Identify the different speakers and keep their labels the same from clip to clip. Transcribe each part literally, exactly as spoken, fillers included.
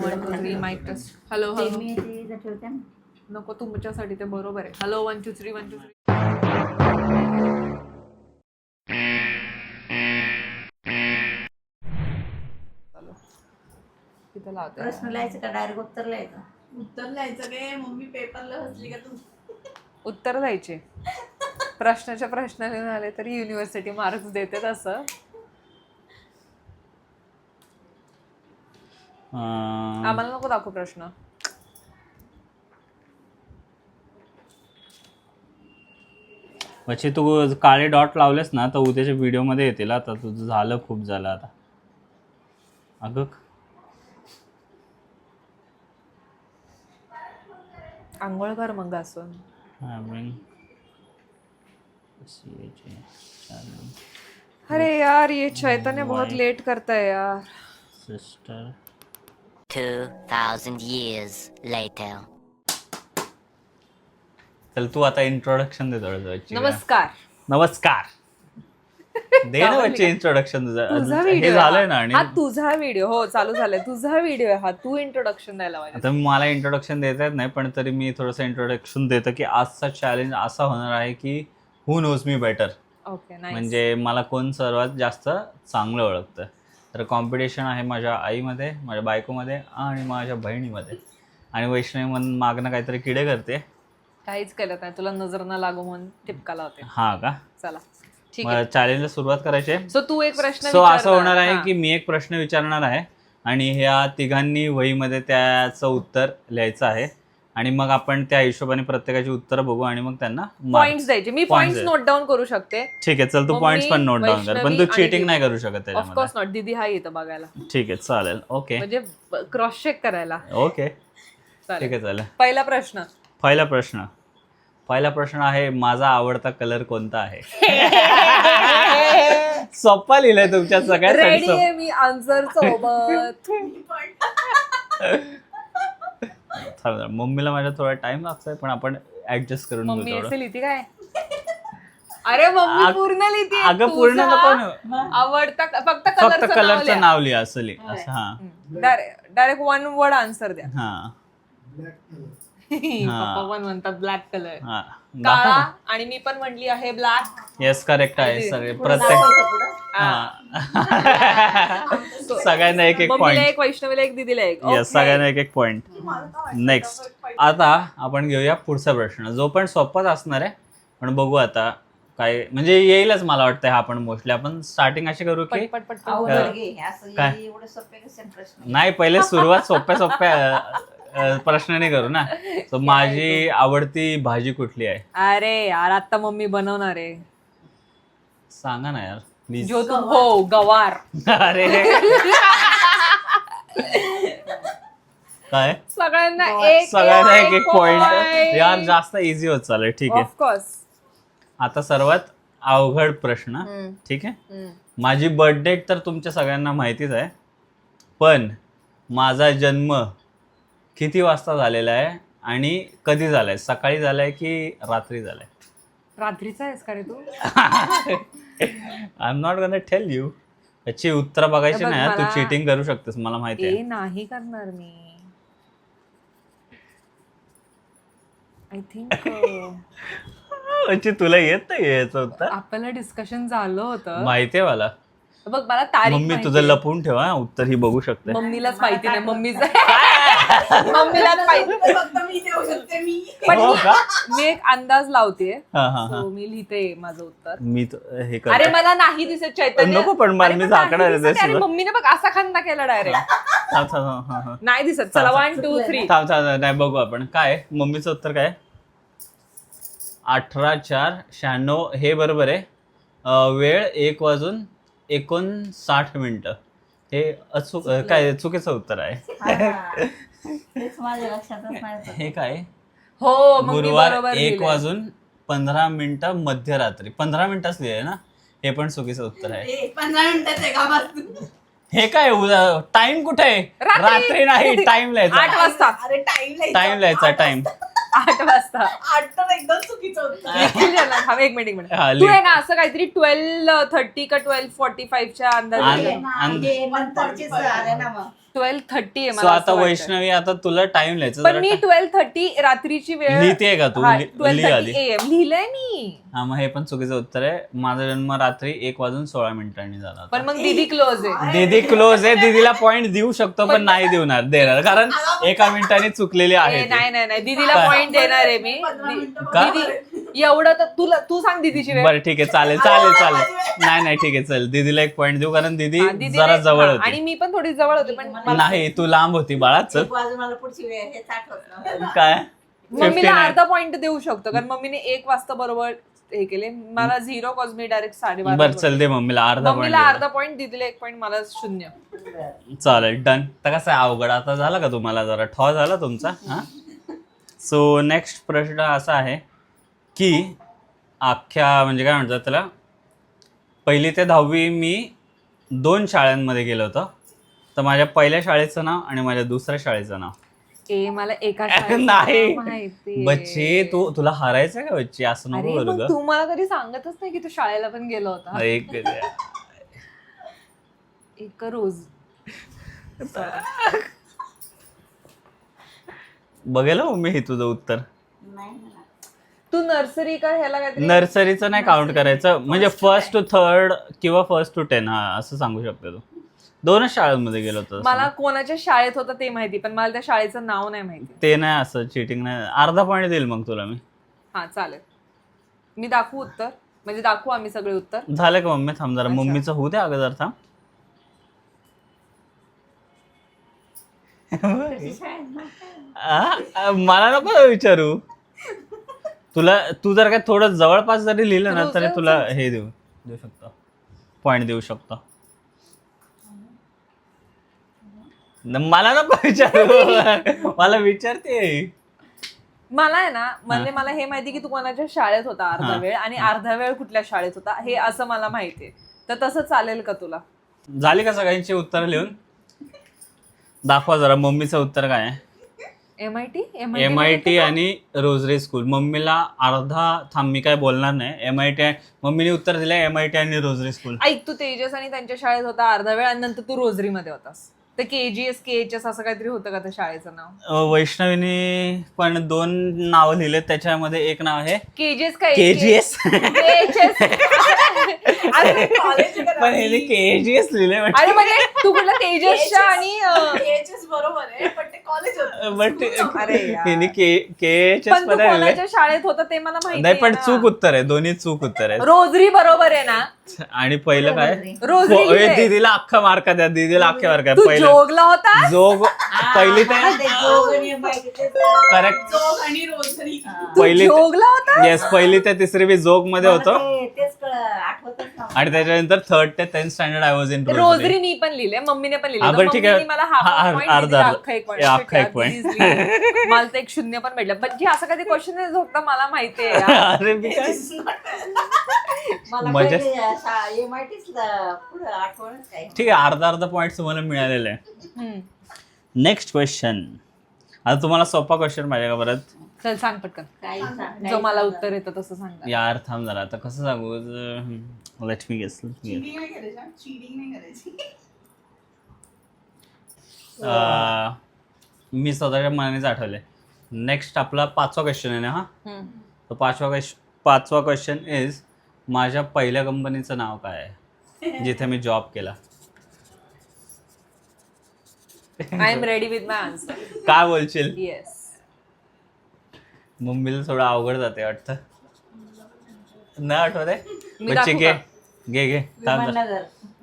Speaker 1: One two three mike test. Hello hello. नको तुमच्यासाठी ते बरोबर आहे. Hello one two three one two three. तिथं लावते.
Speaker 2: प्रश्न लिहायचं का डायरेक्ट उत्तर लिहायचं?
Speaker 3: उत्तर लिहायचं काय? मम्मी पेपरला हसली का तू?
Speaker 1: उत्तर द्यायचे. प्रश्नाच्या प्रश्नाने झाले तरी युनिव्हर्सिटी मार्क्स देते तसं. आम्हाला नको दाखव प्रश्न.
Speaker 4: म्हणजे तू काळे डॉट लावलेस ना तर उद्याच्या व्हिडिओ मध्ये येतील. आता तुझं झालं, खूप झालं आता. अगं
Speaker 1: आंघोळ कर मग घासून. अरे यार ये चैतन्य बहुत लेट करता है यार.
Speaker 4: Sister
Speaker 5: Two thousand years later.
Speaker 4: चल तू आता इंट्रोडक्शन दे थोडं.
Speaker 1: नमस्कार.
Speaker 4: नमस्कार. दे ना बच्चे इंट्रोडक्शन तुझं.
Speaker 1: तुझा
Speaker 4: हे
Speaker 1: व्हिडिओ
Speaker 4: झालंय ना. आणि
Speaker 1: हा तुझा व्हिडिओ. हो चालू झालाय. तुझा व्हिडिओ आहे हा. तू इंट्रोडक्शन द्यायला पाहिजे.
Speaker 4: आता मला इंट्रोडक्शन देता येत नाही, पण तरी मी थोडंसं इंट्रोडक्शन देतो की आजचा चॅलेंज असा होणार आहे की who knows me better.
Speaker 1: Okay.
Speaker 4: म्हणजे मला कोण सर्वात जास्त चांगलं ओळखतं. तर कॉम्पिटिशन आहे माझ्या आईमध्ये, माझ्या बायकोमध्ये आणि माझ्या बहिणीमध्ये. आणि वैष्णवी म्हणून मागणं काहीतरी किडे करते.
Speaker 1: काहीच केलं नाही. तुला नजर न लागू म्हणून टिपका लावते.
Speaker 4: हा का?
Speaker 1: चला ठीक आहे.
Speaker 4: चॅलेंजला सुरुवात करायची आहे.
Speaker 1: सो तू एक प्रश्न
Speaker 4: सो असं
Speaker 1: विचारणार.
Speaker 4: होणार आहे
Speaker 1: हा.
Speaker 4: की मी एक प्रश्न विचारणार आहे आणि ह्या तिघांनी वहीमध्ये त्याचं उत्तर लिहायचं आहे. आणि मग आपण त्या हिशोबाने प्रत्येकाची उत्तरं बघू आणि मग त्यांना
Speaker 1: पॉइंट्स द्यायचे. मी पॉइंट्स नोट डाऊन करू शकते.
Speaker 4: ठीक आहे. चल तू पॉइंट्स पण नोट डाऊन कर, पण तू चिटिंग नाही करू शकत त्याच्यामध्ये.
Speaker 1: Of course not. दीदी हा येतं बघायला.
Speaker 4: ठीक आहे चालेल. ओके
Speaker 1: म्हणजे क्रॉस चेक करायला.
Speaker 4: ओके ठीक आहे चालेल.
Speaker 1: पहिला प्रश्न.
Speaker 4: पहिला प्रश्न पहिला प्रश्न आहे माझा आवडता कलर कोणता आहे? सोप्पा लिहिलंय तुमच्या सगळ्यात.
Speaker 1: रेडी आहे मी आन्सर सोबत.
Speaker 4: मम्मीला माझ्या थोडा टाइम लागतोय, पण आपण ऍडजस्ट करून
Speaker 1: मम्मी
Speaker 4: घेऊ
Speaker 1: असे लिहिते काय? अरे मम्मी
Speaker 4: अग-
Speaker 1: पूर्ण लिहिते.
Speaker 4: अगं पूर्ण नको ना.
Speaker 1: आवडता फक्त
Speaker 4: फक्त
Speaker 1: कलरचं
Speaker 4: कलरचं नाव लिहा असं लिहा. असं हा
Speaker 1: डायरेक्ट वन वर्ड आन्सर द्या.
Speaker 4: हा
Speaker 1: पप्पा पण म्हणतात ब्लॅक कलर.
Speaker 4: हा
Speaker 1: काळा. आणि मी पण म्हणली आहे ब्लॅक.
Speaker 4: येस करेक्ट आहे सगळे. प्रत्येक सगळ्यांना एक एक
Speaker 1: मम्मीला
Speaker 4: पॉइंट.
Speaker 1: एक, वैष्णवीला एक, दीदीला एक.
Speaker 4: येस सगळ्यांना एक एक पॉइंट. नेक्स्ट आता आपण घेऊया पुढचा प्रश्न, जो पण सोपाच असणार आहे, पण बघू आता काय म्हणजे येईलच मला वाटतं. हा आपण मोस्टली आपण स्टार्टिंग अशी करू की
Speaker 1: पट पट
Speaker 2: अवघड घे असं
Speaker 4: काय?
Speaker 2: एवढे सोपे कसे प्रश्न?
Speaker 4: नाही पहिले सुरुवात सोप्या सोप्या अ, प्रश्नाने करू ना. सो माझी आवडती भाजी कुठली आहे?
Speaker 1: अरे यार आता मम्मी बनवणार आहे.
Speaker 4: सांगा ना यार प्लीज.
Speaker 1: जो तू हो गवार.
Speaker 4: अरे काय
Speaker 1: सगळ्यांना एक
Speaker 4: सगळ्यांना एक एक पॉइंट. यार जास्त इझी होत चालेल. ठीक आहे.
Speaker 1: ऑफकोर्स.
Speaker 4: आता सर्वात अवघड प्रश्न. ठीक आहे. माझी बर्थ डेट तर तुमच्या सगळ्यांना माहितीच आहे, पण माझा जन्म किती वाजता झालेला आहे आणि कधी झालाय? सकाळी झालाय की रात्री झालाय?
Speaker 1: रात्रीचा आहेस का रे तू?
Speaker 4: I am not gonna tell you. याची उत्तर बघायची
Speaker 1: बघ
Speaker 4: नाही. तू
Speaker 1: मला-
Speaker 4: चिटिंग करू शकतेस मला माहिती
Speaker 1: ए
Speaker 4: आहे.
Speaker 1: नाही करणार मी. आय थिंक
Speaker 4: म्हणजे तुला येत नाही याचं उत्तर?
Speaker 1: आपल्याला डिस्कशन झालं होतं.
Speaker 4: माहितीये मला.
Speaker 1: बघ मला तारीख
Speaker 4: मम्मी
Speaker 1: माहिती
Speaker 4: तुझं
Speaker 1: आहे.
Speaker 4: लपवून ठेवा उत्तर ही बघू शकते.
Speaker 1: मम्मीलाच माहिती नाही. मम्मीच मम्मीलाच माहिती.
Speaker 3: फक्त मी देऊ शकते मी.
Speaker 1: पण
Speaker 4: हो
Speaker 1: मी-
Speaker 4: का?
Speaker 1: मी एक अंदाज लावते.
Speaker 4: हा हा हा.
Speaker 1: So, मी लिहिते माझं उत्तर.
Speaker 4: मी तो- हे
Speaker 1: अरे
Speaker 4: करतो.
Speaker 1: मला नाही दिसत चैतन्य.
Speaker 4: नको पण मला
Speaker 1: अरे
Speaker 4: मी
Speaker 1: पण नाही
Speaker 4: झाकणार आहे
Speaker 1: दिसत. अरे
Speaker 4: त्याच्यावर.
Speaker 1: मम्मीने बघ असा खांदा केला डायरेक्ट.
Speaker 4: थांब, थांब, थांब, थांब, थांब.
Speaker 1: नाही दिसत. चला वन टू थ्री.
Speaker 4: थांब थांब थांब. नाही बघू आपण काय मम्मीचं उत्तर काय? अठरा चार शहाण्णव हे बरोबर आहे. अं, वेळ एक वाजून एकोणसाठ मिनिटं हे अचूक अं, काय चुकीचं उत्तर आहे.
Speaker 2: तेच माझ्या लक्षातच नाही.
Speaker 4: हे काय?
Speaker 1: हो मग मी
Speaker 4: गुरुवार
Speaker 1: बरोबर
Speaker 4: एक
Speaker 1: लिहिलंय.
Speaker 4: वाजून पंधरा मिनिटं मध्यरात्री. पंधरा मिनिटच लिहिलंय ना. हे पण चुकीचं उत्तर आहे.
Speaker 3: ए, पंधरा मिनिटाचं आहे का बस?
Speaker 4: हे काय टाइम कुठे आहे?
Speaker 1: रात्री.
Speaker 4: रात्री नाही टाइम
Speaker 1: आठ
Speaker 4: लिहायचा.
Speaker 1: वाजता.
Speaker 3: अरे टाइम
Speaker 4: टाइम लिहायचा टाइम.
Speaker 1: आठ वाजता.
Speaker 3: आठ तर एकदम चुकीचं होतं.
Speaker 1: निखिल झाला. थांब एक मिनिट एक मिनिट.
Speaker 4: हा,
Speaker 1: तू
Speaker 4: लिह.
Speaker 1: आहे ना असं काहीतरी ट्वेल्व थर्टी का ट्वेल्व फोर्टी फाईव्ह च्या अंदाजे.
Speaker 4: आणि- आणि-
Speaker 2: हे नंतरचीच आले ना मग.
Speaker 1: ट्वेल्व थर्टी आहे
Speaker 4: सो
Speaker 1: मला
Speaker 4: आता
Speaker 1: असं वाटतंय.
Speaker 4: वैष्णवी आता तुला टाइम लिहायचं
Speaker 1: पण
Speaker 4: जरा
Speaker 1: मी
Speaker 4: का-
Speaker 1: ट्वेल्व थर्टी रात्रीची वेळ
Speaker 4: लिहितेय का तू? लि-
Speaker 1: ट्वेल्व
Speaker 4: लिही आधी.
Speaker 1: थर्टी एम लिहिलंय मी.
Speaker 4: हा मग हे पण चुकीचं उत्तर आहे. माझा जन्म रात्री एक वाजून सोळा मिनिटांनी झाला होता.
Speaker 1: पण मग दीदी क्लोज आहे.
Speaker 4: दीदी क्लोज आहे. दीदीला पॉइंट देऊ शकतो पण नाही देणार देणार कारण एका मिनिटाने चुकलेली आहे
Speaker 1: ए,
Speaker 4: ती.
Speaker 1: नाही नाही नाही दीदीला
Speaker 4: काय?
Speaker 1: पॉइंट देणार आहे मी.
Speaker 3: पंधरा मिनिटं
Speaker 1: दी-
Speaker 4: का?
Speaker 1: दीदी एवढं तर तुला तू सांग दीदीची वेळ.
Speaker 4: बरं ठीक आहे चालेल चालेल चालेल नाही नाही ठीक आहे चल दीदीला एक पॉइंट देऊ कारण दीदी
Speaker 1: हा, दीदीने-
Speaker 4: जरा जवळ
Speaker 1: हा,
Speaker 4: होती.
Speaker 1: आणि मी पण थोडी जवळ होते पण मला-
Speaker 4: नाही तू लांब होती बाळा चल
Speaker 2: एक वाजून मला पुढची वेळ हे आठवत नव्हतं.
Speaker 4: काय
Speaker 1: मम्मीला
Speaker 4: फिफ्टी नाईन
Speaker 1: अर्धा पॉइंट देऊ शकतो कारण मम्मीने एक वाजता बरोबर हे केले. मला झिरो कॉज मी डायरेक्ट साडेबारा
Speaker 4: बरं चल दे मम्मीला अर्धा
Speaker 1: मम्मीला
Speaker 4: पॉइंट
Speaker 1: अर्धा पॉइंट दीदीला एक पॉइंट मला शून्य.
Speaker 4: चालेल डन. तर कसं आहे अवघड आता झालं का तुम्हाला जरा ठॉ झाला तुमचा हा. सो नेक्स्ट प्रश्न असा आहे की अख्ख्या म्हणजे काय म्हणतात त्याला पहिली ते दहावी मी दोन शाळांमध्ये गेलो होतो. तर माझ्या पहिल्या शाळेचं नाव आणि माझ्या दुसऱ्या शाळेचं नाव.
Speaker 1: ए मला एका शाळेचं
Speaker 4: नाही.
Speaker 1: नाव माहितीये.
Speaker 4: बच्ची तू तुला हरायचं का बच्ची असं
Speaker 1: अरे
Speaker 4: नको बोलू
Speaker 1: मग
Speaker 4: ग.
Speaker 1: तू मला कधी सांगतच नाही की तू शाळेला पण गेला होता.
Speaker 4: एक
Speaker 1: एक रोज
Speaker 4: बघेल हो मी हे तुझं उत्तर.
Speaker 2: नाही ना.
Speaker 1: तू नर्सरी का ह्याला काहीतरी
Speaker 4: नर्सरीचं नाही काउंट करायचं म्हणजे फर्स्ट टू थर्ड किंवा फर्स्ट टू टेन हा असं सांगू शकतो तू. दोनच शाळांमध्ये गेलो होतो
Speaker 1: मला कोणाच्या शाळेत होतं ते माहिती पण मला त्या शाळेचं नाव नाही माहिती.
Speaker 4: ते नाही असं चिटिंग नाही. अर्धा पॉईंट देईल मग तुला मी.
Speaker 1: हा चालेल मी दाखवू उत्तर म्हणजे दाखवू आम्ही सगळे उत्तर.
Speaker 4: झालं का मम्मी थांब जरा
Speaker 1: अच्छा.
Speaker 4: मम्मीचं होऊ दे अगोदर थांब.
Speaker 2: त्याची शाळेत नव्हतं.
Speaker 4: आ, आ, मला नको विचारू तुला. तू जर काय थोडं जवळपास जरी लिहिलं ना तरी तुला हे देऊ देऊ शकतो पॉईंट देऊ शकतो. न- मला नको विचारू मला विचारते.
Speaker 1: मला आहे ना म्हणजे मला हे माहिती की तू कोणाच्या शाळेत होता अर्धा
Speaker 4: हा.
Speaker 1: वेळ आणि अर्धा वेळ कुठल्या शाळेत होता हे असं मला माहितीये. तर तसं चालेल का तुला?
Speaker 4: झाली का सगळ्यांची उत्तर लिहून दाखवा जरा मम्मीचं उत्तर काय आहे.
Speaker 1: M I T
Speaker 4: M I T आणि रोजरी स्कूल. मम्मीला अर्धा थांब मी काय बोलणार नाही. एम आय टी मम्मीने उत्तर दिलं एम आय टी आणि रोजरी स्कूल.
Speaker 1: ऐक तू तेजस आणि त्यांच्या शाळेत होता अर्धा वेळ आणि नंतर तू रोजरी मध्ये होतास. तर K G S K H S असं काहीतरी होतं का त्या शाळेचं नाव?
Speaker 4: अ, वैष्णवीने पण दोन नाव लिहिले त्याच्यामध्ये एक नाव आहे
Speaker 1: के जी एस का
Speaker 4: के जी एस
Speaker 3: कॉलेज
Speaker 4: पण हे के जी एस लिहिले
Speaker 1: अरे म्हणजे तू कुठला तेजसच्या आणि अं,
Speaker 3: बरोबर आहे पण ते कॉलेज होतं.
Speaker 4: बट
Speaker 1: अरे यार.
Speaker 4: हिने के के एच एस
Speaker 1: पण तू
Speaker 4: पण लिहिले.
Speaker 1: कोणाच्या शाळेत होता ते मला माहिती
Speaker 4: नाही पण
Speaker 1: आहे
Speaker 4: चूक
Speaker 1: ना.
Speaker 4: उत्तर आहे दोन्ही चूक उत्तर आहे.
Speaker 1: रोजरी बरोबर आहे ना?
Speaker 4: आणि पहिलं काय
Speaker 1: रोजरी
Speaker 4: हो, ए,
Speaker 1: लिहिलंय.
Speaker 4: दीदीला अख्खा मार्क द्या दीदीला अख्खे मार्क
Speaker 1: तू
Speaker 4: पहिलं
Speaker 1: जोगला होता?
Speaker 4: जोग पहिली ते
Speaker 2: हा, ते जोग आणि बाकी ते
Speaker 4: करेक्ट
Speaker 3: जोग आणि रोजरी.
Speaker 1: तू
Speaker 4: पहिली
Speaker 1: जोगला होता?
Speaker 4: येस पहिली ते तिसरी मी जोग मध्ये होतो
Speaker 2: मला ते- तेच कळ- आठवतच नव्हतं.
Speaker 4: आणि त्याच्यानंतर थर्ड ते tenth standard I was in
Speaker 1: Rosary मी पण लिहिले मम्मीने पण
Speaker 4: हा,
Speaker 1: लिहिले
Speaker 4: बरं, ठीक आहे.
Speaker 1: मम्मीने मला हाफ
Speaker 4: हा, अर्धा-
Speaker 1: पॉईंट
Speaker 4: अर्धा-
Speaker 1: अख्खा एक point.
Speaker 4: ए, अख्खा एक
Speaker 1: ठीक
Speaker 4: point.
Speaker 1: आहे, please लिहिले. मला तर एक शून्य पण भेटलं पण जे असं कधी क्वेश्चन होता मला माहितीये यार.
Speaker 4: अरे मी काय
Speaker 2: मला
Speaker 4: मजा-
Speaker 2: पहिले एम आय टीच पुढं आठवणच काय.
Speaker 4: ठीक आहे अर्धा अर्धा पॉईंट तुम्हाला मिळालेले आहे.
Speaker 1: हम्म.
Speaker 4: Next question. आता तुम्हाला सोपा क्वेश्चन पाहिजे का परत?
Speaker 1: चल सांग पटकन
Speaker 2: काही सांग-
Speaker 1: जो मला
Speaker 2: काही
Speaker 1: उत्तर येतं तसं सांग.
Speaker 4: यार थांब जरा आता कसं सांगू. लेट मी गेस
Speaker 3: चिटिंग नाही करायची चिटिंग नाही करायची.
Speaker 4: मी स्वतःच्या मनानेच आठवले. नेक्स्ट आपला पाचवा क्वेश्चन आहे ना हा.
Speaker 1: हम्म.
Speaker 4: तर पाचवा क्वेश्चन पाचवा क्वेश्चन इज माझ्या पहिल्या कंपनीचं नाव काय आहे जिथे मी जॉब केला.
Speaker 1: I am ready with my answer.
Speaker 4: काय बोलशील?
Speaker 1: येस.
Speaker 4: मम्मीला थोडं अवघड जाते वाटतं. नाही आठवत आहे.
Speaker 1: मी
Speaker 4: बच्चे
Speaker 1: दाखवू
Speaker 4: घे
Speaker 1: का?
Speaker 4: घे घे थांब जरा.
Speaker 2: विमाननगर.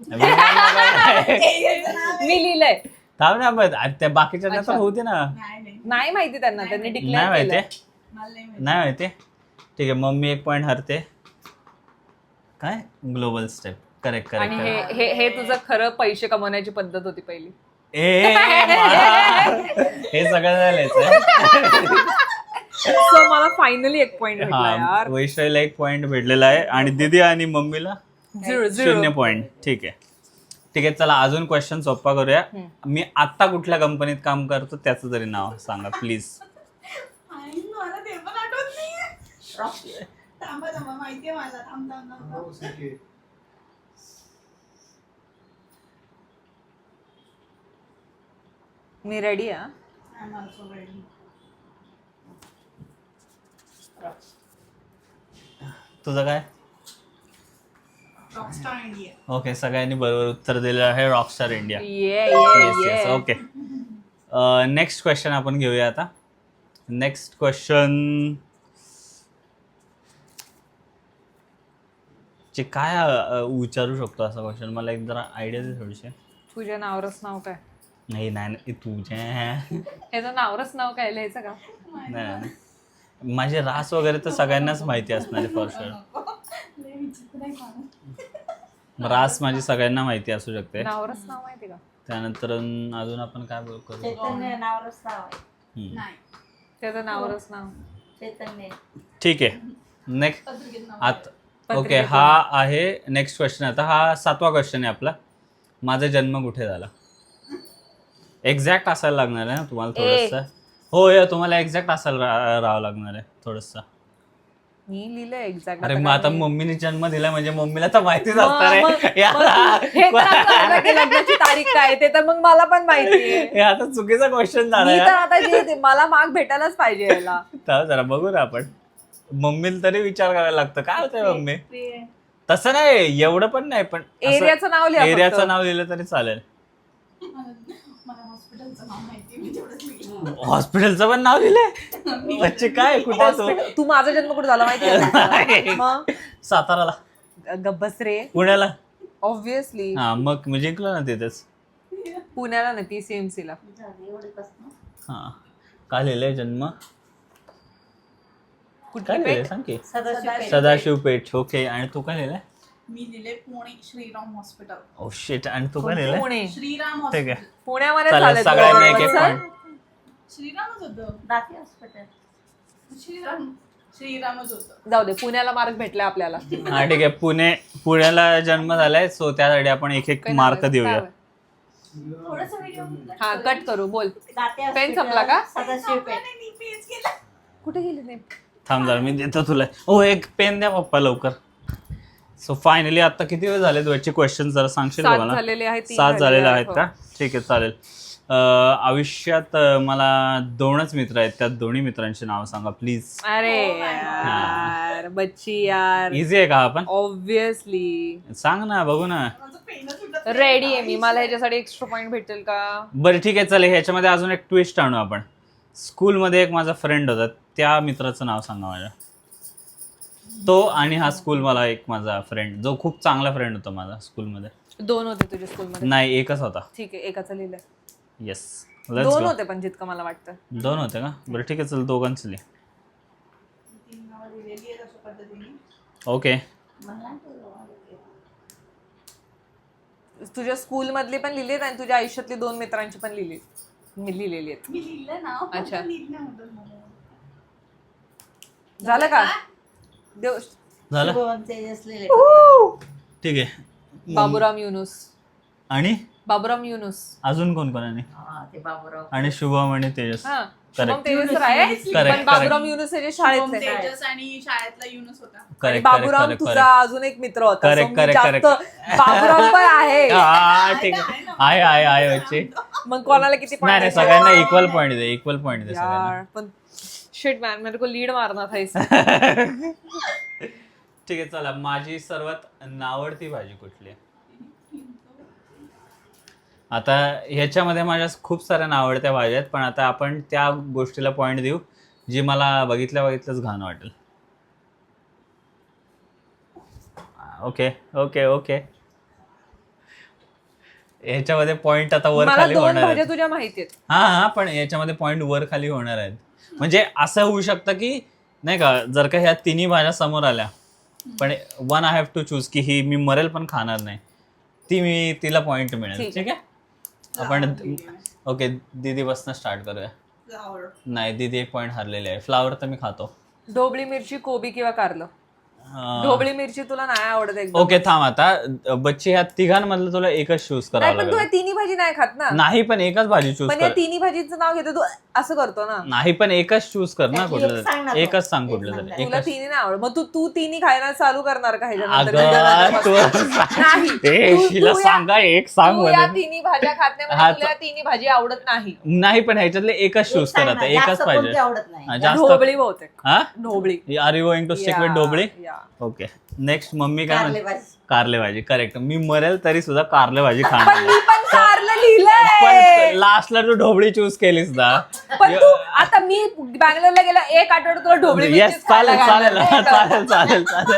Speaker 4: विमाननगर.
Speaker 1: मी लिहिलंय.
Speaker 4: थांब ना मग अरे त्या बाकीच्या तर होते ना.
Speaker 3: नाही नाही
Speaker 1: नाही माहिती त्यांना त्यांनी
Speaker 4: नाही
Speaker 1: डिक्लेअर
Speaker 4: माहिती
Speaker 1: केलं.
Speaker 3: मला नाही माहिती.
Speaker 4: नाही माहिती. ठीक आहे मम्मी एक पॉईंट हरते. काय ग्लोबल स्टेप करेक्ट
Speaker 1: आणि
Speaker 4: करेक्ट
Speaker 1: हे हे हे तुझं खरं पैसे कमवण्याची पद्धत होती पहिली.
Speaker 4: ए मा- हे सगळं झालंय.
Speaker 1: सो मला फायनली एक पॉइंट भेटला
Speaker 4: हा
Speaker 1: यार.
Speaker 4: वैशालीला एक पॉइंट भेटलेला आहे आणि दीदी आणि मम्मीला
Speaker 1: झिरो
Speaker 4: शून्य
Speaker 1: झिरो.
Speaker 4: पॉइंट. ठीक आहे ठीक आहे चला अजून क्वेश्चन सोपा करूया. मी आता कुठल्या कंपनीत काम करतो त्याचं तरी नाव सांगा प्लीज.
Speaker 3: आई, मला ते पण आठवत नाहीये. थांबा थांबा माहितीये मला थांब थांब थांब.
Speaker 1: मी रेडी आहे.
Speaker 3: I am also ready.
Speaker 4: तुझं काय?
Speaker 3: Rockstar India.
Speaker 4: ओके, सगळ्यांनी बरोबर उत्तर दिलेलं आहे, rockstar India.
Speaker 1: Yeah
Speaker 4: yes
Speaker 1: yeah
Speaker 4: yes
Speaker 1: yeah.
Speaker 4: Okay. Next question आपण घेऊया आता. नेक्स्ट क्वेश्चन जे काय अ, विचारू शकतो असा क्वेश्चन, मला एक जरा आयडिया दे थोडीशी.
Speaker 1: तुझ्या नावरच नाव काय?
Speaker 4: नाही नाही नाही, तुझे
Speaker 1: ह्याचं नावरच नाव काय लिहायचं का?
Speaker 4: नाही नाही. माझे रास वगैरे तर सगळ्यांनाच माहिती असणार आहे फॉर शुअर.
Speaker 3: लय विचित्र आहे माणूस.
Speaker 4: रास माझी सगळ्यांना माहिती असू शकते.
Speaker 1: नावरच नाव माहिती का?
Speaker 4: त्यानंतर अजून आपण काय बोल- करू शकतो?
Speaker 2: चैतन्य नावरच नाव आहे.
Speaker 4: हम्म.
Speaker 3: नाही.
Speaker 1: त्याचं नावरच नाव.
Speaker 2: चैतन्य.
Speaker 4: ठीक आहे. नेक्स्ट
Speaker 3: पत्रिकेत नाव.
Speaker 4: आत ओके,
Speaker 1: पत्रिकेतून.
Speaker 4: हा आहे नेक्स्ट क्वेश्चन. आता हा सातवा क्वेश्चन आहे आपला. माझा जन्म कुठे झाला? एक्झॅक्ट असायला लागणार आहे ना तुम्हाला थोडंसं. हो या तुम्हाला एक्झॅक्ट असायला रा- राहावं लागणार आहे थोडंसं.
Speaker 1: मी लिहिलंय एक्झॅक्ट.
Speaker 4: अरे मग आता मम्मीने जन्म दिला म्हणजे मम्मीला तर माहितीच असणार आहे. यार,
Speaker 1: लग्नाची तारीख काय ते तर मग मला पण माहितीये.
Speaker 4: हे आता चुकीचा क्वेश्चन झाला
Speaker 1: मी तर
Speaker 4: यार.
Speaker 1: आता जे ते- मला मार्क भेटायलाच पाहिजे याला.
Speaker 4: तर जरा बघू ना आपण. मम्मीला तरी विचार करायला लागतं काय होतंय मम्मी.
Speaker 3: ते-
Speaker 4: तसं नाही, एवढं पण नाही, पण
Speaker 1: एरियाचं नाव लिहा
Speaker 4: एरियाचं
Speaker 1: फक्त.
Speaker 4: नाव लिहिलं तरी चालेल.
Speaker 3: मला मला हॉस्पिटलचं नाव माहिती मी तेवढंच लिहिलं.
Speaker 4: हॉस्पिटलचं पण नाव लिहिलंय? बच्चे काय कुठे तो?
Speaker 1: Hospital- तू माझा जन्म कुठे झाला माहितीये? मग
Speaker 4: साताराला,
Speaker 1: गब्बस रे.
Speaker 4: पुण्याला.
Speaker 1: ऑब्विसली
Speaker 4: हा मग मी जिंकलो ना तिथेच.
Speaker 1: पुण्याला नाही, पीसीएमसी ला.
Speaker 2: झाले एवढेच ना.
Speaker 4: हा का लिहिलंय जन्म? काय
Speaker 1: कुठली
Speaker 4: लिहिलंय
Speaker 1: पेठ?
Speaker 4: सांग की.
Speaker 2: सदाशिव पेठ.
Speaker 4: सदाशिव पेठ. ओके, आणि तू काय लिहिलंय?
Speaker 3: मी लिहिले Pune Shriram hospital.
Speaker 4: Oh shit, आणि तू काय लिहिलंय?
Speaker 1: पुणे.
Speaker 3: श्रीराम
Speaker 4: ठीक
Speaker 3: हॉस्पिटल.
Speaker 4: आहे,
Speaker 1: पुण्यामध्ये
Speaker 4: चालेल.
Speaker 1: चालेल
Speaker 4: सगळ्यांनी एक एक
Speaker 1: तुला.
Speaker 4: पॉईंट.
Speaker 3: श्रीरामच होतं.
Speaker 2: दाती हॉस्पिटल.
Speaker 3: श्रीराम श्रीरामच होतं.
Speaker 1: जाऊ दे, पुण्याला मार्क भेटले आपल्याला.
Speaker 4: हा ठीक आहे. पुणे पुण्याला जन्म झालाय, सो त्यासाठी आपण एक एक
Speaker 1: काय
Speaker 4: मार्क
Speaker 1: नाव आहे?
Speaker 4: देऊया.
Speaker 1: काय?
Speaker 3: थोडंसं व्हिडिओ
Speaker 1: हा कट करू, बोल.
Speaker 2: दाती
Speaker 1: पेन
Speaker 2: हॉस्पिटल,
Speaker 1: संपला का?
Speaker 2: सदाशिव पेठ.
Speaker 3: मी पेज केलं.
Speaker 1: कुठे गेली नाही?
Speaker 4: थांब जरा मी देतो तुला. ओ एक पेन द्या पप्पा लवकर. सो फायनली आता किती वेळ झाले तुझे क्वेश्चन जरा सांगशील का
Speaker 1: सात
Speaker 4: मला?
Speaker 1: झालेले आहेत, तीन
Speaker 4: सात झालेले आहेत
Speaker 1: हो.
Speaker 4: का? ठीक आहे चालेल. अं, आयुष्यात अं, मला दोनच मित्र आहेत, त्या दोन्ही मित्रांची नावं सांगा प्लीज.
Speaker 1: अरे यार बच्ची यार,
Speaker 4: इझी आहे का हा पण?
Speaker 1: ऑब्विसली
Speaker 4: सांग ना, बघू ना.
Speaker 3: माझं पेनच उठत
Speaker 1: रेडी आहे मी. मला ह्याच्यासाठी एक्स्ट्रा पॉइंट भेटेल का?
Speaker 4: बरं ठीक आहे चालेल. ह्याच्यामध्ये अजून एक ट्विस्ट आणू आपण. स्कूलमध्ये एक माझा फ्रेंड होता, त्या मित्राचं नाव सांगा माझ्या. तो आणि हा स्कूल मला एक माझा फ्रेंड, जो खूप चांगला फ्रेंड होता माझा स्कूलमध्ये.
Speaker 1: दोन होते तुझ्या स्कूलमध्ये?
Speaker 4: नाही, एकच होता.
Speaker 1: ठीक आहे, एकाचं लिहिलंय.
Speaker 4: येस,
Speaker 1: दोन होते पण जितकं मला वाटतं.
Speaker 4: दोन होते का? बरं ठीक आहे चल, दोघांचं लिह.
Speaker 3: तीन नावं लिहिलेली आहेत अशा पद्धतीने.
Speaker 4: ओके.
Speaker 2: मला नाही कळलं.
Speaker 1: तुझ्या स्कूल मधली पण लिहिलीत आणि तुझ्या आयुष्यातली दोन मित्रांची पण लिहिली मी लिहिलेली आहेत.
Speaker 3: मी लिहिलं नाव.
Speaker 1: अच्छा.
Speaker 3: फक्त लिहिलं नव्हतं मला.
Speaker 1: झालं का? देव
Speaker 4: झालं
Speaker 2: शुभम तेजस लिहिले.
Speaker 4: ठीक आहे.
Speaker 1: बाबूराम युनुस.
Speaker 4: आणि
Speaker 1: बाबूराम युनुस.
Speaker 4: अजून कोण कोण आहे?
Speaker 2: हा, ते बाबूराव.
Speaker 4: आणि शुभम आणि तेजस.
Speaker 1: हा,
Speaker 4: Correct.
Speaker 1: शुभम तेजस तर आहे,
Speaker 4: Correct,
Speaker 1: पण बाबूराम युनुस हे जे शाळेत
Speaker 3: शुभम
Speaker 1: आहे.
Speaker 3: तेजस आणि शाळेतला युनुस होता.
Speaker 1: आणि
Speaker 4: करेक्ट
Speaker 1: बाबूराम
Speaker 4: करेक्ट
Speaker 1: तुझा
Speaker 4: करेक्ट
Speaker 1: अजून एक मित्र होता.
Speaker 4: Correct,
Speaker 1: So मी
Speaker 4: correct,
Speaker 1: जास्त
Speaker 4: correct.
Speaker 1: बाबूराम पण आहे.
Speaker 4: हा ठीक आहे. आहे आहे आहे बच्चे.
Speaker 1: मग कोणाला किती
Speaker 4: नाही नाही,
Speaker 1: point
Speaker 4: सगळ्यांना इक्वल पॉईंट दे, इक्वल पॉईंट दे सगळ्यांना.
Speaker 1: यार पण शिट मॅन, मेरे को लीड मारना था इस.
Speaker 4: ठीक आहे चला. माझी सर्वात नावडती भाजी कुठली आहे? आता ह्याच्यामध्ये माझ्या खूप साऱ्या नावडत्या भाज्या आहेत, पण आता आपण त्या गोष्टीला पॉईंट देऊ जी मला बघितल्या बघितलंच घाण वाटेल. Okay okay okay. ह्याच्यामध्ये पॉईंट आता वर
Speaker 1: मला
Speaker 4: खाली
Speaker 1: दोन
Speaker 4: होणार
Speaker 1: भाज्या
Speaker 4: आहेत.
Speaker 1: तुझ्या माहिती आहेत.
Speaker 4: हा हा, पण याच्यामध्ये पॉईंट वर खाली होणार आहेत. म्हणजे असं होऊ शकतं की नाही का, जर का ह्या तिन्ही भाज्या समोर आल्या, पण one I have to choose की ही मी मरेल पण खाणार नाही, ती मी तिला पॉईंट मिळेल.
Speaker 1: ठीक
Speaker 4: ठीक आहे आपण. ओके, दीदी बसनं स्टार्ट करूया.
Speaker 3: फ्लावर.
Speaker 4: नाही, दीदी एक पॉईंट हरलेली आहे. फ्लावर तर मी खातो.
Speaker 1: ढोबळी मिरची, कोबी किंवा कारलं.
Speaker 4: अं,
Speaker 1: ढोबळी मिरची तुला नाही आवडत एकदम.
Speaker 4: ओके थांब आता बच्ची ह्या तिघांमधलं तुला एकच चूज
Speaker 1: नाही
Speaker 4: करावं
Speaker 1: पण तू
Speaker 4: लागेल.
Speaker 1: या तिन्ही भाजी नाही खात ना.
Speaker 4: नाही पण एकच भाजी चूज
Speaker 1: पण या
Speaker 4: कर.
Speaker 1: तिन्ही भाजीचं नाव घेतो तू असं करतो ना.
Speaker 4: नाही पण एकच चूज कर ना
Speaker 2: त्यातली
Speaker 4: कुठलं
Speaker 2: एक सांग ना
Speaker 4: तरी.
Speaker 2: तू.
Speaker 4: एकच सांग
Speaker 2: एक
Speaker 4: कुठलं
Speaker 2: सांग.
Speaker 4: तरी
Speaker 1: तुला
Speaker 4: एकच.
Speaker 1: तिन्ही नाही आवडत मग तू तू तिन्ही खायला चालू करणार का ह्याच्यानंतर?
Speaker 4: अगं तू
Speaker 1: नाही.
Speaker 4: ए,
Speaker 1: तू-
Speaker 4: हिला
Speaker 1: तू या-
Speaker 4: सांगा एक सांग
Speaker 1: तू या
Speaker 4: म्हणून.
Speaker 1: तिन्ही भाज्या खात नाही
Speaker 4: हा,
Speaker 1: म्हणजे तुला या तिन्ही भाजी आवडत नाही.
Speaker 4: नाही पण ह्याच्यातले एकच
Speaker 2: एक
Speaker 4: चूज
Speaker 2: सांग
Speaker 4: कर
Speaker 2: ना,
Speaker 4: आता
Speaker 2: जास्त
Speaker 4: एकच
Speaker 2: कोणती
Speaker 4: पाहिजे.
Speaker 2: आवडत नाही.
Speaker 4: हा, जास्त
Speaker 1: ढोबळी बहुतेक.
Speaker 4: हा
Speaker 1: ढोबळी.
Speaker 4: Are you going to stick with
Speaker 1: yeah,
Speaker 4: ढोबळी?
Speaker 1: या.
Speaker 4: ओके नेक्स्ट मम्मी काय
Speaker 2: कारले
Speaker 4: म्हणते?
Speaker 2: भाजी.
Speaker 4: कारले भाजी करेक्ट. मी मरेल तरी सुद्धा कारले भाजी
Speaker 1: पण
Speaker 4: खाणार.
Speaker 1: मी पण कारलं लिहिलंय.
Speaker 4: पण लास्टला तू ढोबळी चूज केलीस ना.
Speaker 1: पण तू आता मी बँगलोरला गेला एक आठवडा तुला ढोबळी
Speaker 4: येस
Speaker 1: मिरचीच खायला
Speaker 4: चालेल चालेल
Speaker 1: घालणार.
Speaker 4: चालेल चालेल चालेल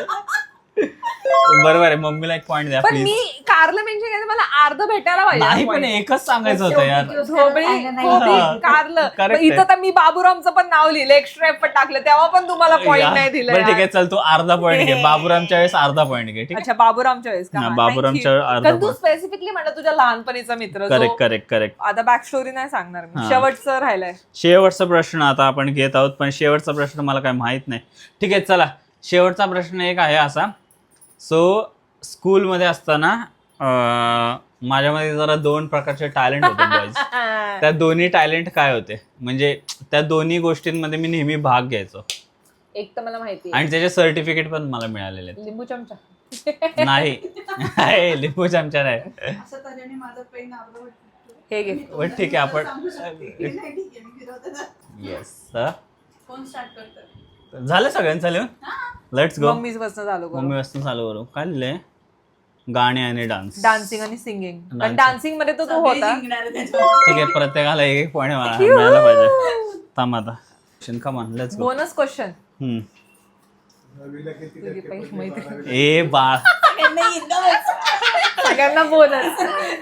Speaker 4: बरोबर आहे. मम्मीला एक पॉईंट द्या
Speaker 1: पण
Speaker 4: प्लीज.
Speaker 1: मी कारलं मेन्शन केलं मला अर्ध भेटायला
Speaker 4: नाही
Speaker 1: पाहिजे
Speaker 4: पण
Speaker 1: point.
Speaker 4: एकच सांगायचं होतं यार.
Speaker 2: शेवटी
Speaker 1: ढोबळी
Speaker 2: खायला नाही.
Speaker 1: कोबी,
Speaker 4: हा.
Speaker 1: कारलं
Speaker 4: Correct
Speaker 1: मग इथं
Speaker 4: आहे.
Speaker 1: तर मी बाबूरामचं पण नाव लिहिलं एक्स्ट्रा एफर्ट टाकलं तेव्हा पण तुम्हाला पॉईंट
Speaker 4: यार,
Speaker 1: नाही दिलं
Speaker 4: बरं ठीक
Speaker 1: यार.
Speaker 4: आहे चल तू अर्धा पॉईंट घे. बाबूरामच्या वेळेस अर्धा पॉईंट घे. ठीक आहे
Speaker 1: अच्छा बाबूरामच्या वेळेस का
Speaker 4: हा,
Speaker 1: हा,
Speaker 4: बाबूरामच्या
Speaker 1: thank you.
Speaker 4: अर्धा
Speaker 1: कारण तू
Speaker 4: point.
Speaker 1: स्पेसिफिकली म्हणलं तुझ्या लहानपणीचा मित्र जो-
Speaker 4: करेक्ट करेक्ट करेक्ट.
Speaker 1: आता बॅक स्टोरी नाही सांगणार मी
Speaker 4: हा.
Speaker 1: शेवटचं राहिलंय.
Speaker 4: शेवटचा प्रश्न आता आपण घेत आहोत पण शेवटचा प्रश्न मला काय माहित नाही. ठीक आहे चला शेवटचा प्रश्न एक आहे असा. सो स्कूलमध्ये असताना अं, माझ्यामध्ये जरा दोन प्रकारचे टॅलेंट होते बॉईज. त्या दोन्ही टॅलेंट काय होते म्हणजे त्या दोन्ही गोष्टींमध्ये मी नेहमी भाग घ्यायचो
Speaker 1: एक तर मला माहिती
Speaker 4: आणि त्याचे सर्टिफिकेट पण मला मिळालेले आहेत.
Speaker 1: लिंबू चमचा.
Speaker 4: नाही हे, लिंबू चमचा नाही.
Speaker 3: असं तऱ्हेने माझं पेन आवडत
Speaker 1: हे घे.
Speaker 4: पण ठीक आहे आपण
Speaker 3: सांगू शकते की नाही, ठीक आहे, मी फिरवते ना.
Speaker 4: येस
Speaker 3: कोण स्टार्ट करतं?
Speaker 4: झालं सगळ्यांचं लिहून. Let's go.
Speaker 1: मम्मीच बसणं चालू करू.
Speaker 4: मम्मी वाजता चालू करू. काय लिहिलंय? गाणे आणि डान्स.
Speaker 1: डान्सिंग आणि सिंगिंग. पण
Speaker 4: Dancing.
Speaker 1: डान्सिंग मध्ये तो तो
Speaker 3: सगळे
Speaker 1: होता.
Speaker 3: जिंकणार आहे त्याच्यावर.
Speaker 4: ठीक आहे प्रत्येकाला एक एक पॉईंट मला मिळायला पाहिजे. थांब आता come on let's go.
Speaker 1: Bonus question.
Speaker 4: हम्म.
Speaker 1: तुझी पैसे मैत्रीण.
Speaker 4: ए बाळ.
Speaker 3: सगळ्यांना येतच.
Speaker 1: सगळ्यांना बोनस.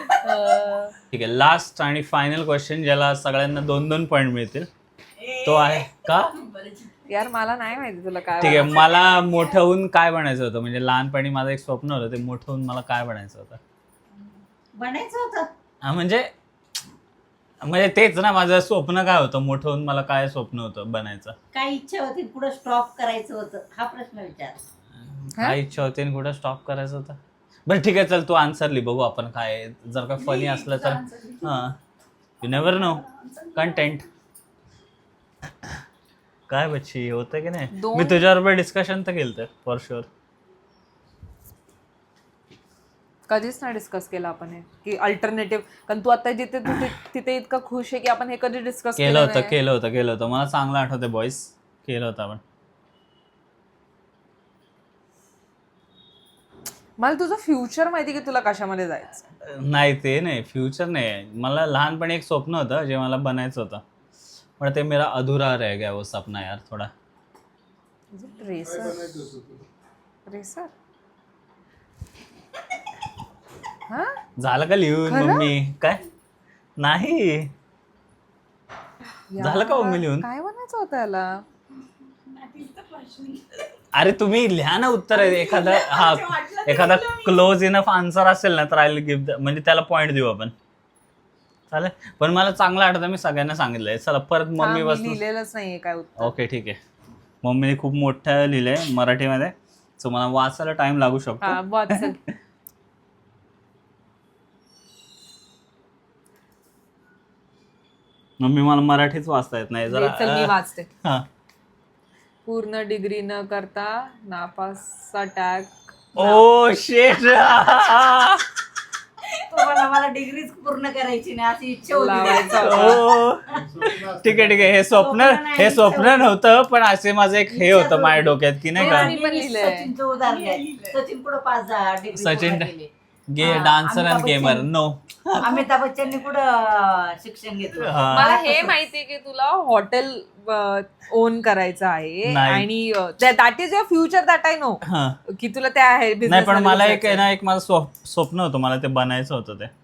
Speaker 4: ठीक आहे लास्ट आणि फायनल क्वेश्चन ज्याला सगळ्यांना दोन दोन पॉईंट मिळतील तो आहे का.
Speaker 1: यार मला नाही माहिती तुला काय.
Speaker 4: ठीक आहे मला मोठं होऊन काय बनायचं होतं म्हणजे लहानपणी माझं एक स्वप्न होतं ते मोठं होऊन मला काय बनायचं होतं.
Speaker 2: बनायचं होतं.
Speaker 4: हा म्हणजे म्हणजे तेच ना माझं स्वप्न काय होतं मोठं होऊन मला काय स्वप्न होतं बनायचं.
Speaker 2: काय इच्छा होती पुढे स्टॉप करायचं होतं हा प्रश्न विचार.
Speaker 4: काय इच्छा होती आणि कुठं स्टॉप करायचं होतं. बरं ठीक आहे चल तू आन्सर लिह बघू आपण काय आहे. जर का फनी असलं तर हां यू नेवर नो कंटेंट. काय बच्ची होतं की नाही.
Speaker 1: दोन-
Speaker 4: मी तुझ्याबरोबर डिस्कशन तर केलं फॉर शुअर.
Speaker 1: कधीच नाही डिस्कस केलं आपण हे की अल्टरनेटिव्ह. कारण तू आता जिथे तिथे तिथे इतकं खुश आहे की आपण हे कधी डिस्कस
Speaker 4: केलं होतं केलं होतं केलं होतं मला चांगलं आठवतं बॉईज केलं होतं आपण.
Speaker 1: मला तुझं फ्युचर माहिती की तुला कशामध्ये जायचं.
Speaker 4: नाही ते नाही फ्युचर नाही. मला लहानपणी एक स्वप्न होतं जे मला बनायचं होतं पण ते मेरा अधुरा रह गया वो सपना यार थोडा.
Speaker 1: रेसर. रेसर. हा
Speaker 4: झालं का लिहून
Speaker 1: खरं?
Speaker 4: मम्मी काय नाही झालं का मम्मी लिहून.
Speaker 1: काय बनायचं होतं याला.
Speaker 4: अरे तुम्ही लिहा ना उत्तर आहे एखादा हा एखादा क्लोज इनफ आन्सर असेल ना तर आय गिव्ह म्हणजे त्याला पॉईंट देऊ आपण चालेल. पण मला चांगलं आठवतं मी सगळ्यांना सांगितलंय. चला परत
Speaker 1: हा,
Speaker 4: मम्मी
Speaker 1: मी
Speaker 4: बसून.
Speaker 1: लिहिलेलंच नाहीये काय उत्तर.
Speaker 4: ओके ठीक आहे मम्मीने खूप मोठं लिहिलंय मराठीमध्ये सो मला वाचायला टाइम लागू
Speaker 1: हा
Speaker 4: शकतो.
Speaker 1: वाचल.
Speaker 4: मम्मी मला मराठीच वाचता येत नाही
Speaker 1: चल मी
Speaker 4: जरा.
Speaker 1: वाचते.
Speaker 4: हा
Speaker 1: पूर्ण डिग्री न करता नापासचा टॅग.
Speaker 4: ओ शेट.
Speaker 2: तुम्हाला मला डिग्रीच पूर्ण करायची नाही अशी इच्छा होती.
Speaker 1: लावायचा
Speaker 4: ओ ठीक आहे ठीक आहे हे स्वप्न हे स्वप्न नव्हतं पण असे माझं एक हे होतं माझ्या डोक्यात की नाही का
Speaker 1: मी पण लिहिलंय.
Speaker 2: सचिनचं उदाहरण आहे. सचिन पुढे पाच दहा डिग्री
Speaker 4: सचिन
Speaker 2: पूर्ण केली.
Speaker 4: गे
Speaker 2: हा,
Speaker 4: dancer
Speaker 2: Amitabh
Speaker 4: and gamer
Speaker 2: Bachchan.
Speaker 4: No.
Speaker 2: Amitabh बच्चननी कुठं शिक्षण घेतलं.
Speaker 4: हा.
Speaker 1: मला हे माहितीये की तुला हॉटेल ओन करायचं आहे
Speaker 4: नाही.
Speaker 1: आणि that is your future that I know
Speaker 4: हा
Speaker 1: की तुला त्या आहे
Speaker 4: नाही
Speaker 1: business
Speaker 4: पण
Speaker 1: मध्ये
Speaker 4: मला एक
Speaker 1: घुसायचं.
Speaker 4: आहे ना एक माझं स्व- स्वप्न होतं मला ते बनायचं होतं ते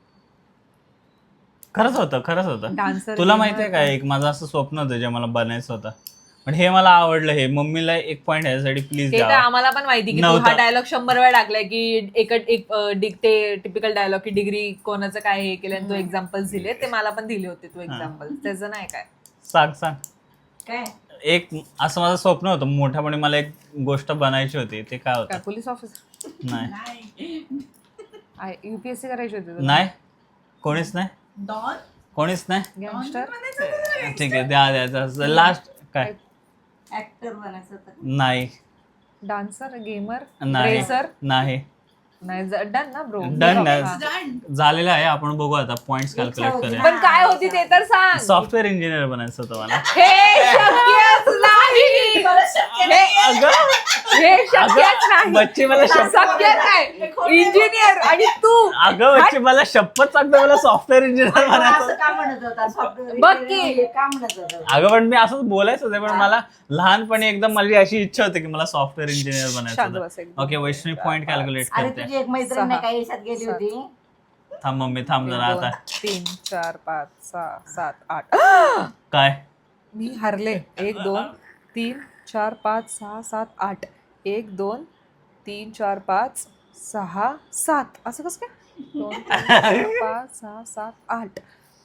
Speaker 4: खरंच होतं खरंच होतं.
Speaker 1: Dancer,
Speaker 4: तुला
Speaker 1: gamer.
Speaker 4: माहितीये का एक माझं असं स्वप्न होतं जे मला बनायचं होतं पण हे मला आवडलं. हे मम्मीला एक पॉईंट ह्यासाठी प्लीज
Speaker 1: हे तर
Speaker 4: द्या.
Speaker 1: आम्हाला पण माहिती की तू
Speaker 4: नव्हतं.
Speaker 1: हा डायलॉग शंभर वेळा टाकलाय की एक एक अ, डिग ते टिपिकल डायलॉग की डिग्री कोणाचं काय हे केलं आणि तू एक्झाम्पल्स दिले ते मला पण दिले होते तू एक्झाम्पल त्याचं नाही काय.
Speaker 4: सांग सांग
Speaker 2: काय
Speaker 4: एक असं माझं स्वप्न होतं मोठ्यापणे, मला एक गोष्ट बनायची होती. ते काय
Speaker 1: काय
Speaker 4: होतं?
Speaker 1: Police officer?
Speaker 4: नाही
Speaker 1: युपीएससी करायची होती तुला?
Speaker 4: नाही, कोणीच नाही,
Speaker 3: डॉन
Speaker 4: कोणीच नाही.
Speaker 1: गँगस्टर?
Speaker 4: ठीक आहे, द्या द्या लास्ट. काय?
Speaker 2: ऍक्टर बनायचं होतं.
Speaker 4: नाही
Speaker 1: डान्सर, गेमर,
Speaker 4: नाही
Speaker 1: रेसर?
Speaker 4: नाही
Speaker 1: नाही डन ना ब्रो.
Speaker 4: Done ना.
Speaker 1: हा.
Speaker 3: डन
Speaker 4: झालेलं आहे. आपण बघू आता पॉइंट्स
Speaker 2: इच्छा
Speaker 4: कॅल्क्युलेट
Speaker 2: होती
Speaker 4: करूया.
Speaker 2: ना.
Speaker 1: पण काय होती ते तर सांग.
Speaker 4: सॉफ्टवेअर इंजिनियर बनायचं होतं मला.
Speaker 1: हे शक्यच नाही. हे-
Speaker 4: अगं
Speaker 1: हे शक्यच नाही.
Speaker 4: बच्ची मला शपथ
Speaker 1: शक्य नाही. इंजिनियर आणि तू
Speaker 4: अगं बच्ची मला शपथ सांगतो, मला सॉफ्टवेअर इंजिनियर
Speaker 2: असं
Speaker 4: बनायचं.
Speaker 2: का म्हणत होता सॉफ्टवेअर
Speaker 1: बघ की.
Speaker 2: इंजिनिअर का म्हणत होता?
Speaker 4: अगं पण मी असंच बोलायचं होतं, पण मला लहानपणी एकदम माझी अशी इच्छा होती की मला सॉफ्टवेअर इंजिनियर
Speaker 1: शांत
Speaker 4: बनायचं
Speaker 1: बस
Speaker 4: होतं.
Speaker 1: एकदम.
Speaker 4: ओके, वैष्णवी पॉइंट कॅल्क्युलेट
Speaker 2: अरे
Speaker 4: करते.
Speaker 2: तुझी एक मैत्रीण नाही काही याच्यात गेली
Speaker 1: सात.
Speaker 2: होती.
Speaker 4: थांब मम्मी, थांब जरा
Speaker 1: दोन,
Speaker 4: आता.
Speaker 1: तीन चार पाच सहा सात आठ.
Speaker 4: काय?
Speaker 1: मी हरले. एक दोन तीन चार पाच सहा सात आठ. एक दोन तीन चार पाच सहा सात. असं कसं काय? दोन तीन चार पाच सहा सात आठ.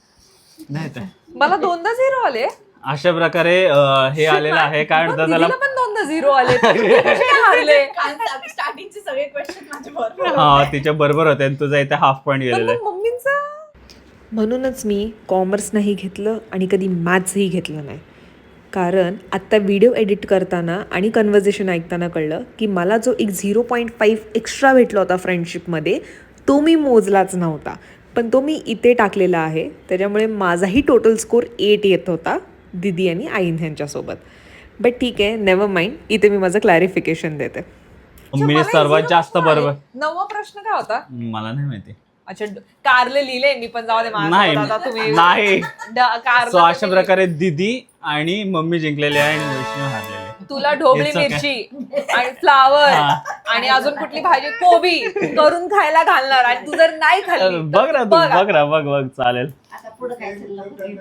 Speaker 4: नाही तर
Speaker 1: मला दोनदा झिरो आले.
Speaker 4: अशा प्रकारे अं, हे आलेलं आहे. काय म्हणतात त्याला?
Speaker 1: दीदीला पण दोनदा झिरो आले. तुम्ही कसे काय हारले?
Speaker 3: स्टार्टिंगचे सगळे क्वेश्चन माझे बरोबर
Speaker 4: हा, तिच्या बरोबर होते आणि तुझा इथे हाफ पॉइंट
Speaker 1: पण
Speaker 4: गेलेला
Speaker 1: मग मम्मींचा.
Speaker 6: म्हणूनच मी कॉमर्स नाही घेतलं आणि कधी मॅथ्सही घेतलं नाही. कारण आत्ता व्हिडिओ एडिट करताना आणि कन्व्हर्सेशन ऐकताना कळलं की मला जो एक झिरो पॉईंट फाईव्ह एक्स्ट्रा भेटला होता फ्रेंडशिपमध्ये, तो मी मोजलाच नव्हता. पण तो मी इथे टाकलेला आहे. त्याच्यामुळे माझाही टोटल स्कोर एट येत होता दिदी आणि आईन ह्यांच्यासोबत. बट ठीक आहे, नेव्हर माइंड. इथे मी माझं क्लॅरिफिकेशन देते.
Speaker 4: मी
Speaker 1: मला
Speaker 4: सर्वात
Speaker 1: zero
Speaker 4: जास्त
Speaker 1: आले.
Speaker 4: बरोबर.
Speaker 1: नववा प्रश्न काय होता?
Speaker 4: मला नाही माहिती.
Speaker 1: अच्छा, ड- कारले लिहिले मी पण. जाऊ दे
Speaker 4: नाही
Speaker 1: माझ्यासोबत आता तुम्ही.
Speaker 4: नाही
Speaker 1: ड- कारलं
Speaker 4: सो अशा
Speaker 1: तुम्ही-
Speaker 4: प्रकारे दिदी आणि मम्मी जिंकलेले आहे आणि वैष्णव हारलेले.
Speaker 1: तुला ढोबळी
Speaker 4: It's okay.
Speaker 1: मिरची आणि फ्लावर आणि अजून कुठली भाजी, कोबी करून खायला घालणार. आणि तू जर नाही खाल्ली तर
Speaker 4: बघ ना तू,
Speaker 1: बघ
Speaker 4: बघ ना, बघ बघ चालेल.
Speaker 2: आता पुढे काय शिल्लक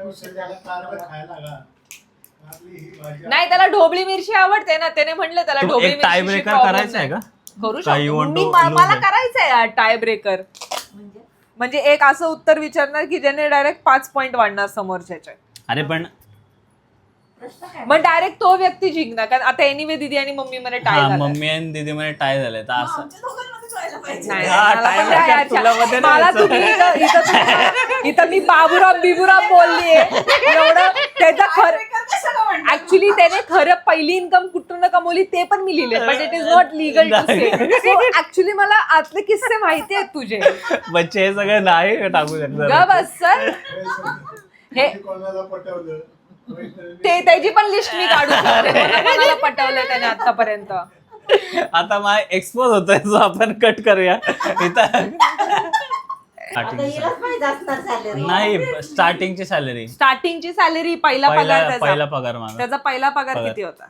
Speaker 1: नाही, त्याला ढोबळी मिरची आवडते ना. त्याने म्हणलं त्याला
Speaker 4: तू
Speaker 1: ढोबळी
Speaker 4: एक टाय
Speaker 1: मिरची
Speaker 4: ब्रेकर करायचं आहे का?
Speaker 1: करू
Speaker 4: का you
Speaker 1: शकतो
Speaker 4: want
Speaker 1: मी.
Speaker 4: to
Speaker 1: मा-
Speaker 4: lose
Speaker 1: मला
Speaker 4: it?
Speaker 1: करायचंय यार टाय ब्रेकर.
Speaker 2: म्हणजे
Speaker 1: म्हणजे एक असं उत्तर विचारणार की ज्याने डायरेक्ट पाच पॉइंट वाढणार समोरच्याचे.
Speaker 4: अरे पण
Speaker 2: प्रश्न काय?
Speaker 1: मग डायरेक्ट तो व्यक्ती जिंकणार. कारण आता एनिवे दीदी आणि मम्मी मध्ये टाय
Speaker 4: हा,
Speaker 1: झाला.
Speaker 4: मम्मी आणि दीदी मध्ये टाय झाले तर असं
Speaker 3: आमच्या दोघांमध्येच व्हायला पाहिजे.
Speaker 1: नाही,
Speaker 4: हा,
Speaker 1: मला
Speaker 4: time
Speaker 1: पण द्या
Speaker 4: breaker
Speaker 1: यार.
Speaker 4: तुला मध्ये नाही
Speaker 1: मला
Speaker 4: यायचं.
Speaker 1: तुम्ही इथं- इथं तुम्ही- इथं मी बाबूराव बिबुराव बोललीये एवढं. त्याचं खरं
Speaker 3: ब्रेकर कशाला म्हणतात?
Speaker 1: ऍक्च्युली त्याने खरं पहिली इन्कम कुठून कमवली ते पण मी लिहिले. But it is not legal to say. So actually मला आतले किस्से माहिती आहेत तुझे.
Speaker 4: बच्चे हे सगळं नाही टाकू
Speaker 1: ग
Speaker 4: शकत.
Speaker 1: बस सर. हे ते त्याची पण लिस्ट मी काढू शकते. कोणा- कोणाला पटवलं त्याने आतापर्यंत.
Speaker 4: आता माझा एक्सपोज होतोय, जो आपण कट करूया इथं.
Speaker 2: आता हिलाच माहित असणार सॅलरी.
Speaker 4: नाही, स्टार्टिंगची सॅलरी,
Speaker 1: स्टार्टिंगची सॅलरी, पहिला पगार
Speaker 4: पहिला
Speaker 1: त्याचा.
Speaker 4: पहिला पगार माझा.
Speaker 1: त्याचा पहिला पगार
Speaker 4: पगार.
Speaker 1: किती होता?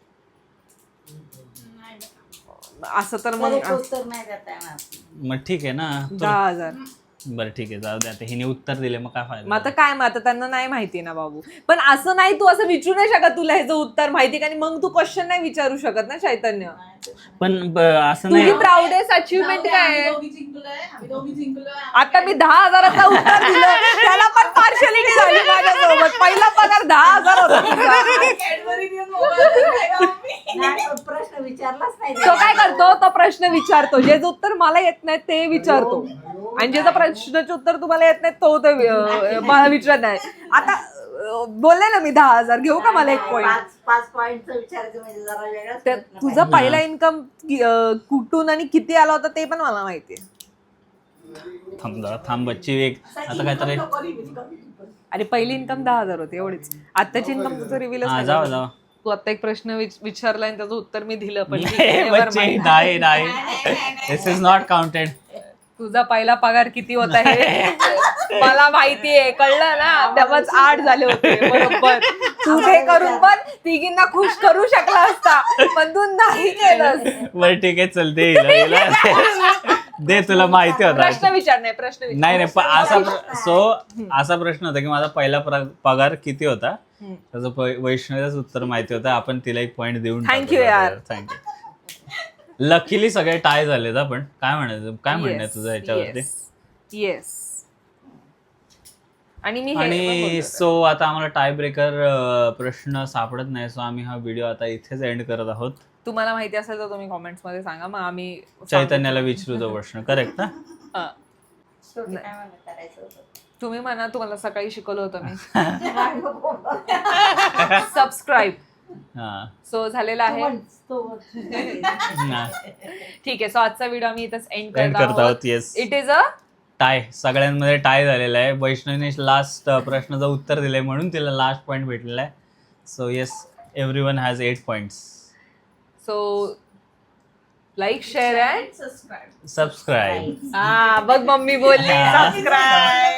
Speaker 3: नाही.
Speaker 1: असं तर
Speaker 2: मला
Speaker 1: मग
Speaker 2: एक उत्तर नाही देता येणार.
Speaker 4: मग ठीक आहे ना.
Speaker 1: दहा हजार.
Speaker 4: बरं ठीक आहे, जाऊ दे आता. हिने उत्तर दिले मग काय
Speaker 1: मग
Speaker 4: फायदा.
Speaker 1: आता काय, मग आता त्यांना नाही माहिती ना बाबू. पण असं नाही, तू असं विचारू नाही शकत तुला ह्याचं उत्तर माहिती का. आणि मग तू क्वेश्चन नाही विचारू शकत ना चैतन्य.
Speaker 4: पण ब- असं
Speaker 1: तुझी
Speaker 4: नाही.
Speaker 1: प्राऊडेस्ट अचिव्हमेंट काय
Speaker 3: आम्ही
Speaker 1: आहे?
Speaker 3: दोघी जिंकलोय, आम्ही दोघी जिंकलोय.
Speaker 1: आता मी दहा हजाराचा उत्तर दिलं, त्याला पण पार्शलिटी झाली माझ्यासोबत. पहिला पगार दहा हजार होता तुझा.
Speaker 3: कॅडबरी देऊन मोबाईल खायला आम्ही.
Speaker 2: नाही, प्रश्न विचारलाच नाही
Speaker 1: तो काय करतो, तो प्रश्न विचारतो. जे उत्तर मला येत नाही ते विचारतो. आणि ज्याचं प्रश्नाचं उत्तर तुम्हाला येत नाही तो ते अं, मला विचारत नाही. आता अं, बोलले ना मी दहा हजार घेऊ का मला एक पॉईंट.
Speaker 2: पाच पाच पॉईंटचं विचारायचं म्हणजे जरा वेगळाच
Speaker 1: त्या-
Speaker 2: प्रश्न
Speaker 1: तुझा
Speaker 2: पाहिजे.
Speaker 1: पहिला इन्कम कुठून आणि किती आला होता ते पण मला माहितीये.
Speaker 4: थांब जरा, थांब बच्ची. एक आता काहीतरी.
Speaker 1: अरे पहिली इन्कम दहा हजार होती एवढीच. आत्ताची इन्कम तुझं रिव्हिल
Speaker 4: हा, जाऊ जाऊ.
Speaker 1: तू आता एक प्रश्न विच- विचारला आणि त्याचं उत्तर मी दिलं. पण ठीक आहे, never
Speaker 4: बच्चे
Speaker 1: mind.
Speaker 4: नाही नाही, दिस इज नॉट काउंटेड.
Speaker 1: तुझा पहिला पगार किती होता हे मला माहितीये, कळलं ना. तेव्हाच आठ झाले होते बरोबर. तू ते करून पण तिघींना खुश करू शकला असता, पण तू नाही केलंस.
Speaker 4: बरं ठीक आहे, चलते हिला- हिला. दे, तुला माहिती होता.
Speaker 1: प्रश्न विचार. नाही प्रश्न विचार.
Speaker 4: नाही नाही, पण असा प्र- सो असा प्रश्न होता की माझा पहिला प्र- पगार किती होता. त्याचं प- वैष्णवीच उत्तर माहिती होतं. आपण तिला एक पॉईंट देऊन
Speaker 1: Thank you यार.
Speaker 4: थँक्यू. लकीली सगळे टाय झालेत. आपण काय म्हणायचं, काय म्हणणं आहे
Speaker 1: Yes,
Speaker 4: तुझं याच्यावरती?
Speaker 1: yes, yes. आणि मी हे पण
Speaker 4: आणि
Speaker 1: बोलते.
Speaker 4: सो आता आम्हाला टाय ब्रेकर प्रश्न सापडत नाही, सो आम्ही हा व्हिडिओ आता इथेच एंड करत आहोत.
Speaker 1: तुम्हाला माहिती असेल तर तुम्ही कॉमेंट्स मध्ये सांगा, मग आम्ही
Speaker 4: चैतन्याला विचारू तो प्रश्न. करेक्ट ना?
Speaker 1: हा.
Speaker 2: शेवटी काय मला करायचं होतं
Speaker 1: तुम्ही म्हणा, तुम्हाला सकाळी शिकवलं होतं मी.
Speaker 2: काय नको.
Speaker 1: सबस्क्राईब.
Speaker 4: हा.
Speaker 1: सो झालेला
Speaker 2: तो
Speaker 1: आहे.
Speaker 2: म्हण, तो म्हण.
Speaker 4: ना.
Speaker 1: ठीक आहे, सो आजचा व्हिडिओ आम्ही इथंच एंड
Speaker 4: एंड
Speaker 1: करत
Speaker 4: करत
Speaker 1: आहोत.
Speaker 4: आहोत. Yes.
Speaker 1: It is a
Speaker 4: tie सगळ्यांमध्ये टाय झालेला आहे. वैष्णवीने लास्ट प्रश्नाचं उत्तर दिलंय म्हणून तिला लास्ट पॉईंट भेटलेला आहे. So yes, everyone has eight points.
Speaker 1: So like share and
Speaker 3: subscribe
Speaker 4: subscribe.
Speaker 1: हा बघ मम्मी बोलली सबस्क्राईब.